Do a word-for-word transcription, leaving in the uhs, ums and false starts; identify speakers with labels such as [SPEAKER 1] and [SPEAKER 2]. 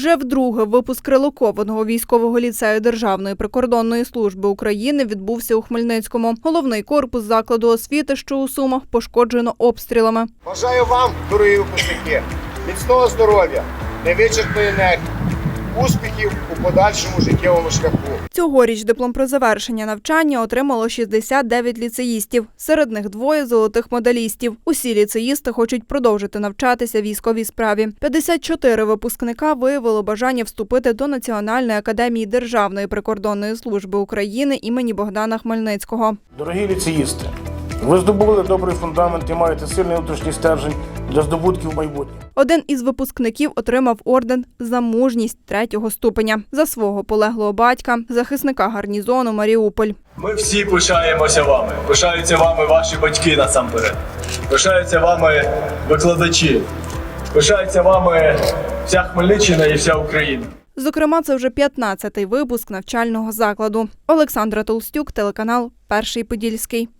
[SPEAKER 1] Вже вдруге випуск релокованого військового ліцею Державної прикордонної служби України відбувся у Хмельницькому. Головний корпус закладу освіти, що у Сумах, пошкоджено обстрілами.
[SPEAKER 2] Бажаю вам, дорогі випускники, міцного здоров'я, невичерпної енергії, успіхів у подальшому життєвому шляху.
[SPEAKER 1] Цьогоріч диплом про завершення навчання отримало шістдесят дев'ять ліцеїстів. Серед них двоє золотих медалістів. Усі ліцеїсти хочуть продовжити навчатися військовій справі. п'ятдесят чотири випускника виявило бажання вступити до Національної академії Державної прикордонної служби України імені Богдана Хмельницького.
[SPEAKER 3] Дорогі ліцеїсти, ви здобули добрий фундамент і маєте сильний внутрішній стержень для здобутків майбутнього.
[SPEAKER 1] Один із випускників отримав орден «За мужність» третього ступеня за свого полеглого батька, захисника гарнізону Маріуполь.
[SPEAKER 4] Ми всі пишаємося вами. Пишаються вами ваші батьки насамперед. Пишаються вами викладачі. Пишається вами вся Хмельниччина і вся Україна.
[SPEAKER 1] Зокрема, це вже п'ятнадцятий випуск навчального закладу. Олександра Толстюк, телеканал «Перший Подільський».